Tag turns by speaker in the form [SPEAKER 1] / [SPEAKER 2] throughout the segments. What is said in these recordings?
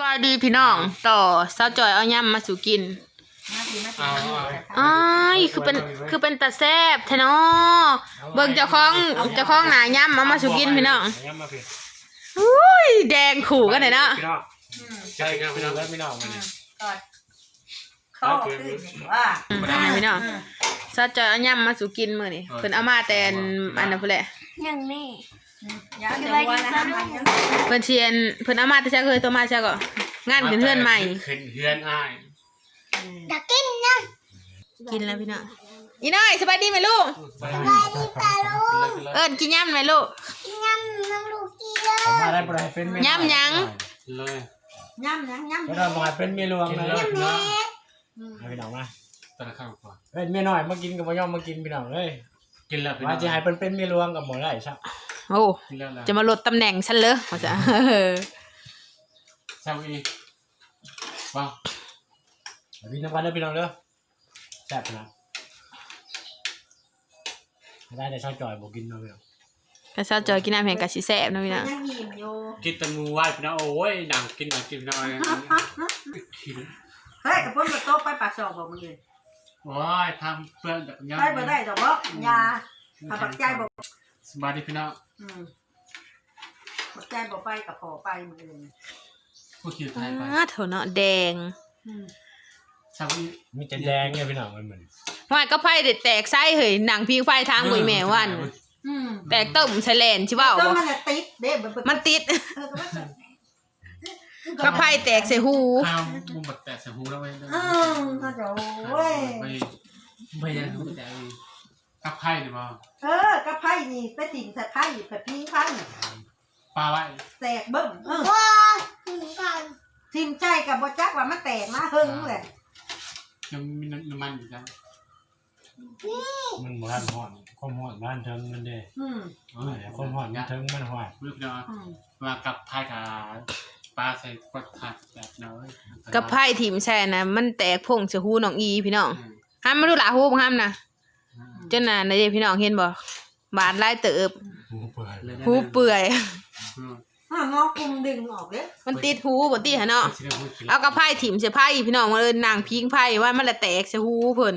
[SPEAKER 1] บายดีพี่น้องต่อสาวจอยเอายำมาสู่กินอ้ายคือเป็นตาแซ่บแท้เนาะเบิ่งเจ้าของหนายำเอามาสู่กินพี่น้องอุ้ยแดงขู่กันเลยเนาะ
[SPEAKER 2] ใช่ครับพี่น้องแล้วพี่น้องมัน
[SPEAKER 3] ข้อขึ้นว่า
[SPEAKER 1] พี่น้องสาวจอยเอายำมาสู่กินมื้อนี้เพิ่นเอามาแต่อันนั้นพุ่นแหละ
[SPEAKER 4] ยังนี่
[SPEAKER 3] คืออะไรนะ
[SPEAKER 1] เพิ่นเชียนเพิ่นเอามาแต่เช้าเคยตัวมาเช้าก็งานขึ้นเฮือนใหม่
[SPEAKER 2] ขึ้นเฮือนอ้าย
[SPEAKER 4] อยากกินนะ
[SPEAKER 1] กินแล้วพี่น้องอีน้อยสบายดีไหมลูก
[SPEAKER 4] สบายดีป่ะลูก
[SPEAKER 1] กินยำไหมลูก
[SPEAKER 4] กินยำน้ำลูกกินเลย
[SPEAKER 2] มาได้บ่ได้เป็น
[SPEAKER 1] ยำยัง
[SPEAKER 2] เลย
[SPEAKER 3] ยำ
[SPEAKER 2] ก็ได้บ่เป็นเมียหลวงเลยพี่น้องมาตะข้างก่อนเมียน้อยมากินกับบ่ยอมมากินพี่น้องเอ้ยกินแล้วพี่น้องว่าสิให้เป็นเมียหลวงกับบ่ได้ซะ
[SPEAKER 1] โอ้จะมาลดตำแหน่งฉันเลยเขาจะ
[SPEAKER 2] แซ่บอีว้าวพี่น้องกันเด้อพี่น้องเด้อแซ่บนะได้แต่ชอบจอยบ่กินเนาะพี่น้อง
[SPEAKER 1] ก็ชอบจอยกินน้ำแห้งกับสีแซ่บนะพี่น้อง
[SPEAKER 3] ยังยิ้มอยู่
[SPEAKER 2] กินตะมูไหว้พี่น้องโอ้ยดังกินหน่อย
[SPEAKER 3] เฮ้ยกับเพิ่นมาโต๊ะไปปากซอกบอกมึงเลย
[SPEAKER 2] โอ้ยทำเพื่อนจากยา
[SPEAKER 3] ไปบ่ได้ดอกบ่ยาถ้าปักใจบ่
[SPEAKER 2] สบายดีพี่น้อง
[SPEAKER 3] ปักใจบ่ไปกับพอไปมึงเลย
[SPEAKER 2] ผู้ขี่ไทยไป
[SPEAKER 1] เถอะเนาะแดง
[SPEAKER 2] มีแต่แดงเนี่ยพี่น้องมันเหมือน
[SPEAKER 1] ว่าก็ไผ่แตกไส้เหยหนังพิงไฟทางมวยแม่วันแตกต้มใส่แลนใช่เปล่า
[SPEAKER 3] มันติดเด้
[SPEAKER 1] มันติดก็ไผ่แตกใส่หู
[SPEAKER 2] ข้าวมุมแตกใส่หูแล้วไว้
[SPEAKER 3] ข้าจะโอ้ย
[SPEAKER 2] ไม่ยังหูแต่กับไผ่หรือเปล่า
[SPEAKER 3] กับไพ่นี่ไปถิ่นใส่ไพ่แบบพิงไพ่
[SPEAKER 2] ปลาไว้
[SPEAKER 3] แตกเบิ่ม
[SPEAKER 4] ว้าถึงกัน
[SPEAKER 3] ทิมใจกับบ่จักว่ามันแตกมาหึงเลย
[SPEAKER 2] ยังมีน้ำมันอยู่จ้ะมันบ้านห่อนความห่อนบ้านเทิงมันเด้ความห่อนมันเทิงมันห่อนรู้พี่น้องมากับไผ่กับปลาใส่กดถัดแบบน้อย
[SPEAKER 1] กับไผ่ถิ่มแช่นะมันแตกพงเสียหูน้องอีพี่น้องห้ามมาดูหลาหูห้ามนะเจ้าน่ะในเด็กพี่น้องเห็นบ่บาดไล่เติบหูเปื่อย
[SPEAKER 3] งอกุมดึงออกเด้
[SPEAKER 1] มันติดหูบ่ติหะเนาะเอากับไผ่ถิ่มเสียไผ่พี่น้องมาเลยนางพิงไผ่ว่ามันละแตกเสียหูเพิ่น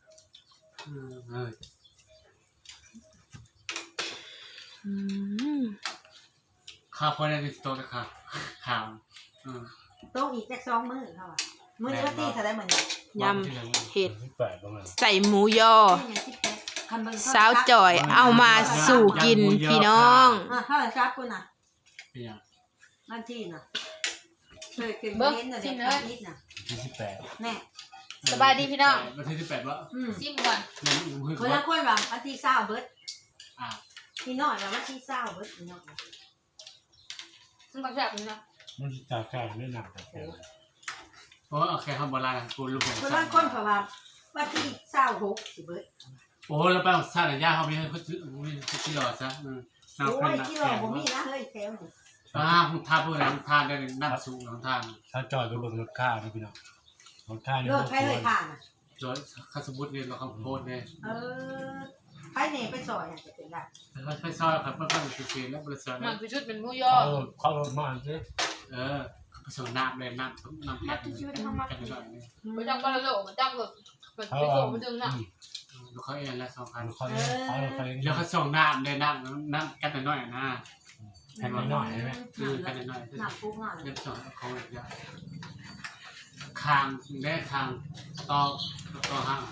[SPEAKER 2] ข้าวพอได้ติดโต๊ะนะครับข้าว
[SPEAKER 3] โต๊ะอีกแค่2 มื้อเท่าอ่ะมื้อนี้ก็ตีถ้าได้เหมือน
[SPEAKER 1] ยำเห็ดใส่หมูยอสาวจ่อยเอามาสู่กินพี่น้อง
[SPEAKER 3] เท่าไหร่ครับคุณน่ะนั่นที่น่ะเคยกินเน้นน่ะเด็กนิดน่ะ
[SPEAKER 2] 28
[SPEAKER 3] แน่
[SPEAKER 1] สบายดีพี่น้อง
[SPEAKER 2] วันที่18วะ
[SPEAKER 1] ซิมก่อน
[SPEAKER 3] คนละคนว่าวันที่20เบิดพี่น้อยว่าวันที่20เบิดพี่น้อง
[SPEAKER 1] ซึ่งก็แซ่บนี่นะ
[SPEAKER 2] มันจะแซ่บไม่หนักแต่โอ้โอเคครับโบราณกูรู้ผม
[SPEAKER 3] คนละคนเพราะว่าวันที่26สิเบิด
[SPEAKER 2] โอ้แล้วไปซาดย่าเขาไม่ให้เขาซื้อที่รอซะ
[SPEAKER 3] โอ้ยที่รอผมมีนะเฮ้ยแถวนี่
[SPEAKER 2] คุณท่าเพื่อนท่าได้นั่งสูงของท่านถ้าจอยก็เบิ่งรถข้านะพี่น้องรถข้านี่
[SPEAKER 3] รถใครเลยข้าน่ะ
[SPEAKER 2] รถข้าสมมุติเนี่ยเราเขาโพสเนี่ย
[SPEAKER 3] ใครเนี่ยไปซอยจะเป็นได้
[SPEAKER 2] ไปซอยครับเพื่อนๆคือแล้วบริษัท
[SPEAKER 1] มันคือชุดเป็นผู้ยอ
[SPEAKER 2] เข้ารถมาสิผสมน้ำเลยน้ำแข็งกันหน่อยนี่
[SPEAKER 1] ไปจับกันเลยมันจับเลยไปส่งมันดึงน่ะ
[SPEAKER 2] เขาเองแล้ว2,000เขาแล้วเขาส่งน้ำเลยน้ำกันหน่อยนะแค่น้อยใช่ไหมกันหน่อย
[SPEAKER 3] น้ำปุ๊บหน่อย
[SPEAKER 2] เรียบร้อยเขาแบบนี้คางได้คางต่อห้าง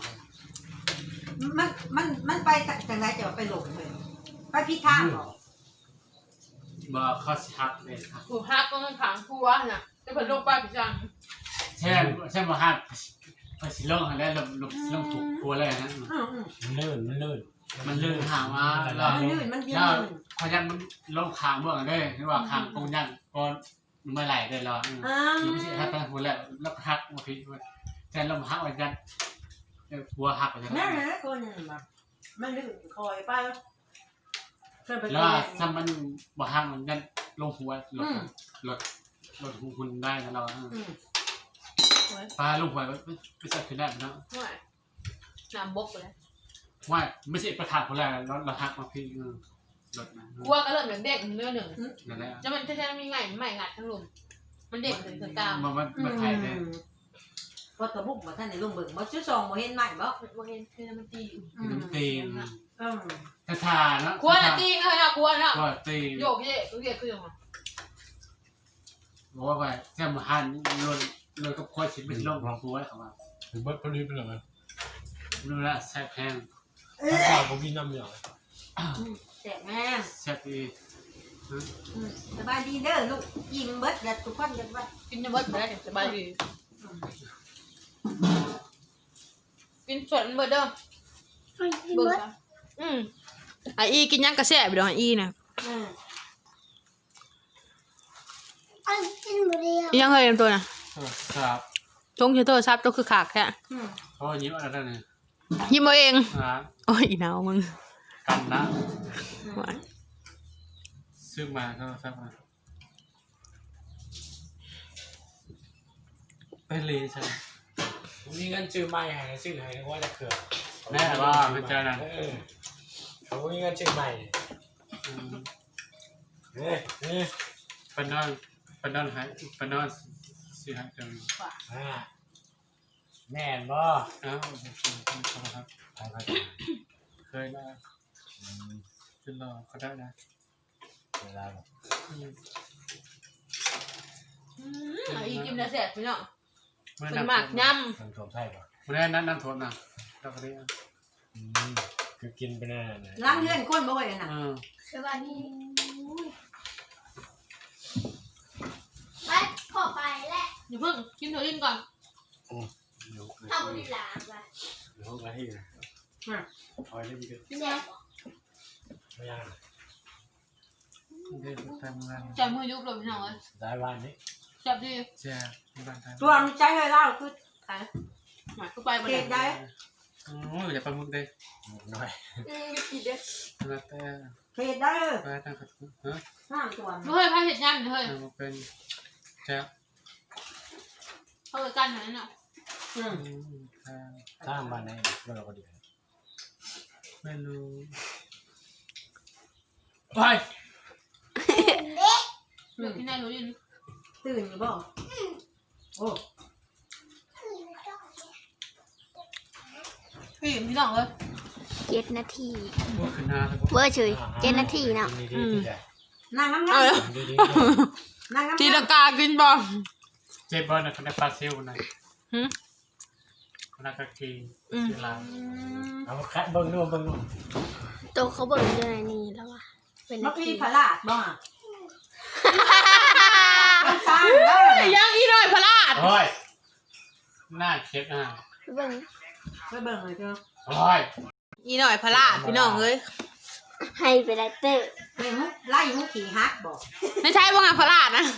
[SPEAKER 3] มันไปจังไรจะไปหลงเลยไปพิธางหรอ
[SPEAKER 2] บ่เขาชักเลยครับ
[SPEAKER 1] ถูกฮักก็มันขังทัวน่ะจะเพิ่นลงไปพิจัง
[SPEAKER 2] ใช่บ่ฮักไปสิลงแล้วลงถูกทัวเลยนะมันลื่นหามาแล้วพยันมันลงคางเบื้องได้หรือว่าคางกงยันก็ไม่ไหลได้หรอไม่ใช่ฮักตั้งหัวแล้วฮักมาพิจแทนลงฮักวันยันหัวหักไปเลย
[SPEAKER 3] แม่คนนึงมันลื่นคอยไป
[SPEAKER 2] แล้วถ้ามันบ่ฮักมันยันลงหัวลดหุ่นได้นะเราปลาลงหัวไปจับขึ้นได้นะ
[SPEAKER 1] น้ำบกเลย
[SPEAKER 2] ว่าไม่ใช่ประธานคนแรกเราฮักมาพี่ลดนะ
[SPEAKER 1] กลัวก็เริ่มเด็กเนื้อหนึ่งจะมันจะมีใหม่งัดทั้งลุมมันเด็กถึงกลาง
[SPEAKER 2] มันไทยเลย
[SPEAKER 3] พอตะบุกมาท่านในลุงเบิ่งบ่ชื่อซองบ่เห็นใหม่บ่
[SPEAKER 1] บ่เห็นคือมันตีอยู่
[SPEAKER 2] มันตีน
[SPEAKER 3] อืม
[SPEAKER 2] ทาเนาะ
[SPEAKER 1] ควรตีเลยนะควรเนาะ
[SPEAKER 2] ว่าตี
[SPEAKER 1] โยกเย่คือเย่คือยังไง
[SPEAKER 2] บอกว่าไปแค่มาหันโดนกับคอยชิดเป็นลมของกูไว้เขามา
[SPEAKER 5] ถึงเบิดพอดีไปเลย
[SPEAKER 2] รู้ละแซ่บแห้ง
[SPEAKER 5] ถ้าข่าวผมกินน้ำอย่าง
[SPEAKER 3] แซ่บแม่
[SPEAKER 2] แซ่บดี
[SPEAKER 3] สบายดีเด้อลูกอิ่มเบิดอย่าทุกคนกันว่า
[SPEAKER 1] กินจะเบิดไปได้สบายดีกินส่วนเบิดเด้อ
[SPEAKER 4] กิน
[SPEAKER 1] เบิ
[SPEAKER 4] หม
[SPEAKER 1] ด
[SPEAKER 4] ด
[SPEAKER 1] ไออีกินยังกระแสบดอกอีน่ะ
[SPEAKER 4] กินหมดเลย
[SPEAKER 1] ยังเคยเป็นตัวน่ะ
[SPEAKER 2] ครับ
[SPEAKER 1] ชงเชโตซับตัวคือขากแค่
[SPEAKER 2] เขายิ้มอะไรเนี่ย
[SPEAKER 1] ยิ้มเอาเอง
[SPEAKER 2] นะ
[SPEAKER 1] โอ้ยอีหนาวมึง
[SPEAKER 2] กันนะซื้อมาก็ซักมาไปเลยใช่
[SPEAKER 5] ผมมีเงินซื้อไม้ให้ซื้อให้นึกว่าจะเขื่อน
[SPEAKER 2] แน่ว่ามันจะนั่น
[SPEAKER 5] ผมมีเงินซื้อไม้
[SPEAKER 2] ปนอนหายปนอนสิหายจัง
[SPEAKER 5] แม่นบ่
[SPEAKER 2] อ้าวครับ
[SPEAKER 5] ไป
[SPEAKER 2] เคยนะขึ้นรอก็ได้นะ
[SPEAKER 5] เวลา
[SPEAKER 1] อีกินกระแสพี่น้อง
[SPEAKER 2] เมื่อ
[SPEAKER 1] เป็นหมากย่
[SPEAKER 5] ทำสมไทยป่ะ
[SPEAKER 2] เมื่อนั้นน้ำท่วมนะเราก็ได้
[SPEAKER 5] คือกินไปแน่เลย
[SPEAKER 3] ล้างเลื่อนคนบ่เว้ยน่ะ
[SPEAKER 4] สวัสดีไปขอไปแหละ
[SPEAKER 1] ำอย่าเพิ่งกินตัวอินก่อน
[SPEAKER 4] ทำบุญหลานไป
[SPEAKER 5] เดี๋ยวก็ที่นะคอยเล่นกัน
[SPEAKER 4] เนี่ย
[SPEAKER 5] ไม่ยาก
[SPEAKER 2] เดินทำงาน
[SPEAKER 1] ใจมือยุบเลยพี่น้องเลย
[SPEAKER 5] ได้วันนี้
[SPEAKER 1] จับดี
[SPEAKER 2] แจ้งบ้านทาง
[SPEAKER 3] ตัวมันใจให้เล่าคือ
[SPEAKER 1] หมายก็ไป
[SPEAKER 3] เกดได้
[SPEAKER 2] โอ้ยอย่าไปมุกเลย
[SPEAKER 5] น้อย
[SPEAKER 4] กินเด้อ
[SPEAKER 2] แล้วแต่
[SPEAKER 3] เกดได้
[SPEAKER 2] ไปทางขัดฮะ
[SPEAKER 3] ห้ามตัว
[SPEAKER 1] เฮ้ยพาเห็ดย่ำเฮ้ย
[SPEAKER 2] ทางเป็นแจ้
[SPEAKER 1] เขาเลยกันอย่างนั้นเนาะ
[SPEAKER 5] ถ้าบ้านไหนเราก็ดี
[SPEAKER 2] ไม่รู้ไป
[SPEAKER 1] เดี๋ยวที่นายรู้ดิน
[SPEAKER 3] ตื่นอยู่บ่โอ้
[SPEAKER 1] พี่น้องเลย
[SPEAKER 4] 7 นาที
[SPEAKER 2] พวกคณะแล้ว
[SPEAKER 4] เวอร์เฉย7 นาทีเนาะ
[SPEAKER 5] ดีดีใจ
[SPEAKER 3] นางงาม
[SPEAKER 1] เอาเลย
[SPEAKER 5] ดีดี
[SPEAKER 3] ๆนางงาม
[SPEAKER 1] ตีลังกากินบ่
[SPEAKER 2] เจ็บบอลนะคณะปลาซิลนะ
[SPEAKER 1] หืม
[SPEAKER 2] คณะกะกีเวลา
[SPEAKER 5] เอาคัดเบิ้งนู่นเบิ้งนู่น
[SPEAKER 4] โตเขาเบิ่งอยู่ในนี้แล้วว่ะเป็น
[SPEAKER 3] มั
[SPEAKER 4] นาก ที
[SPEAKER 3] มีพลาดบ่มันสร้างได้
[SPEAKER 1] ยังอีหน่อยพลาด
[SPEAKER 2] โอ้ยหน้าเช็ดหน้า
[SPEAKER 4] เบิ่ง
[SPEAKER 3] ไปเบิ่งเลยเถอะ
[SPEAKER 2] โอ้ย
[SPEAKER 1] อีหน่อยพลาดพี่น้องเลย
[SPEAKER 4] ให้ไปได้เตอร์
[SPEAKER 3] ไปมุกไล่มุกขี่ฮักบ่
[SPEAKER 1] ไม่ใช่ว่างานพลาดนะ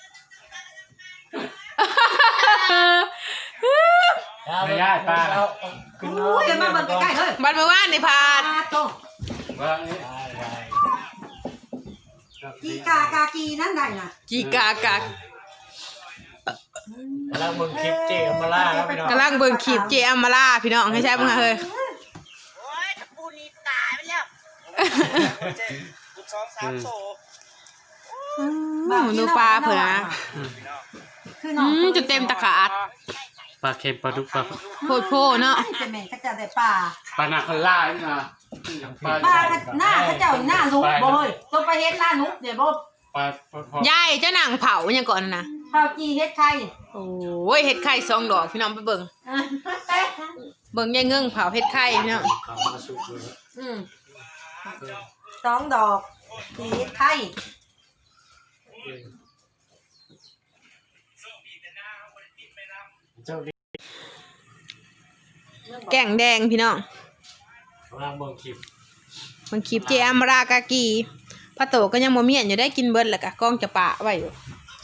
[SPEAKER 5] ขึ้น
[SPEAKER 3] โอ้ยมาเบิ่งใกล้ๆเฮ้ย
[SPEAKER 1] บันเมื่อวานนี่พาด
[SPEAKER 3] โต
[SPEAKER 2] ว่านี่
[SPEAKER 3] กีกากากีนั่นได้น่ะ
[SPEAKER 1] จีกากาก
[SPEAKER 5] แล้วมึงคลิปเจมาล่าแล้วพี่น้อง
[SPEAKER 1] กำลังเบิ่งขีบเจอัมมาล่าพี่น้องให้ใช่บ้างเฮ้ย ดูปลาเผื่อนะ
[SPEAKER 3] คือน้อง
[SPEAKER 1] จะเต็มตะขาด
[SPEAKER 2] ปลาเค็มปลาดุกปลา
[SPEAKER 1] โพดโพเนาะ
[SPEAKER 3] จะแม่นเขาเจ้าได้ปลา
[SPEAKER 2] ปลาหนักล่านี่นะปลา
[SPEAKER 3] ปลาหน้าเขาเจ้าหน้านุกบ่เฮ้ยต้องไปเฮ็ดหน้านุกเดี๋ยวบ่
[SPEAKER 2] ปลาพอย
[SPEAKER 1] ายเจ้าหนังเผาเนี่ยก่อนนะ
[SPEAKER 3] ข้าวจีเฮ็ดไข่
[SPEAKER 1] โอ้ยเห็ดไข่2 ดอกพี่น้องไปเบิ่งเบิ่งยายเงื่งเผาเห็ดไข่พี่น้อง
[SPEAKER 3] 2 ดอกจีเฮ็ดไข่
[SPEAKER 5] เจ้าดิ
[SPEAKER 1] แกงแดงพี่น้อง
[SPEAKER 5] กำลังเบิ่งคลิป
[SPEAKER 1] มันขีบเจอัมมารากากีพระโตก็ยังบ่เมียนอยู่ได้กินเบิดแหละกะกล้องจะปะไว้อยู่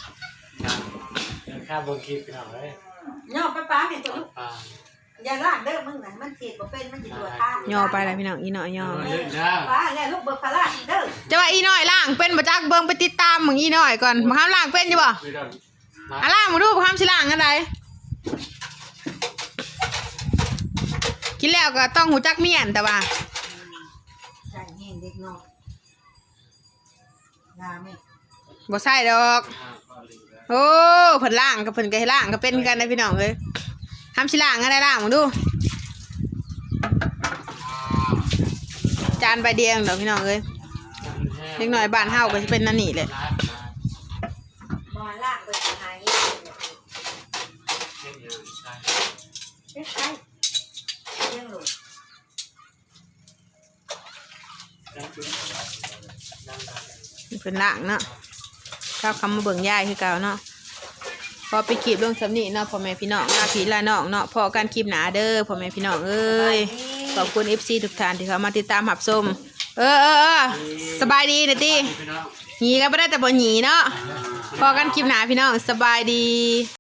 [SPEAKER 5] ข้าเบิ่งคลิปพี่น้องเลย
[SPEAKER 3] ย่อไปปลาเห็นตัวลูก
[SPEAKER 2] ปลา
[SPEAKER 3] อย่าลากเด้อมึงน่ะมันเจ็บบ่เป็นมันสิตัวท่า
[SPEAKER 1] ย่อไปแล้วพี่น้องอีน้อยย่อ
[SPEAKER 2] เยอะนะ
[SPEAKER 3] ปลาแล้วลูกเบิกพลาดเด้อ
[SPEAKER 1] จะว่าอีน้อยล่างเป็นบ่จักเบิ่งไปติดตามมึงอีน้อยก่อนบ่ห้ามล่างเป็นอยู่บ่
[SPEAKER 2] ไม่ได้
[SPEAKER 1] อ่ะล่างมาดูบ่ห้ามสิล่างอันใดกินแล้วก็ต้องหูจักเมียนแต่ว่า
[SPEAKER 3] ใจแห้งเด็กน้อยยาแม่
[SPEAKER 1] บ่ใช่ดอก
[SPEAKER 2] ปลาลีได้
[SPEAKER 1] โอ้เพิ่นล่างกับเพิ่นก็ให้ล่างก็เป็นกันนะพี่น้องเอ้ยทำสิล่างอะไรล่างมึงดูจานใบเดียวเดี๋ยวพี่น้องเอ้ยเล็กน้อยบ้านเฮาก็จะเป็นนั่นนี่แหละ
[SPEAKER 3] บ่ลากไปหายใช่เลี้ยงลูก
[SPEAKER 1] เพิ่นล่างเนาะเจ้าคำมาเบิ่งยายคือเก่าเนาะพอไปคลิปลงสำนีเนาะพ่อแม่พี่น้องลาพี่ลาน้องเนาะพอกันคลิปหนาเด้อพ่อแม่พี่น้องเอ้ยขอบคุณ FC ทุกท่านที่เขามาติดตามรับชมสบายดีเด้อติหนีก็บ่ได้แต่บ่หนีเนาะพอกันคลิปหนาพี่น้องสบายดี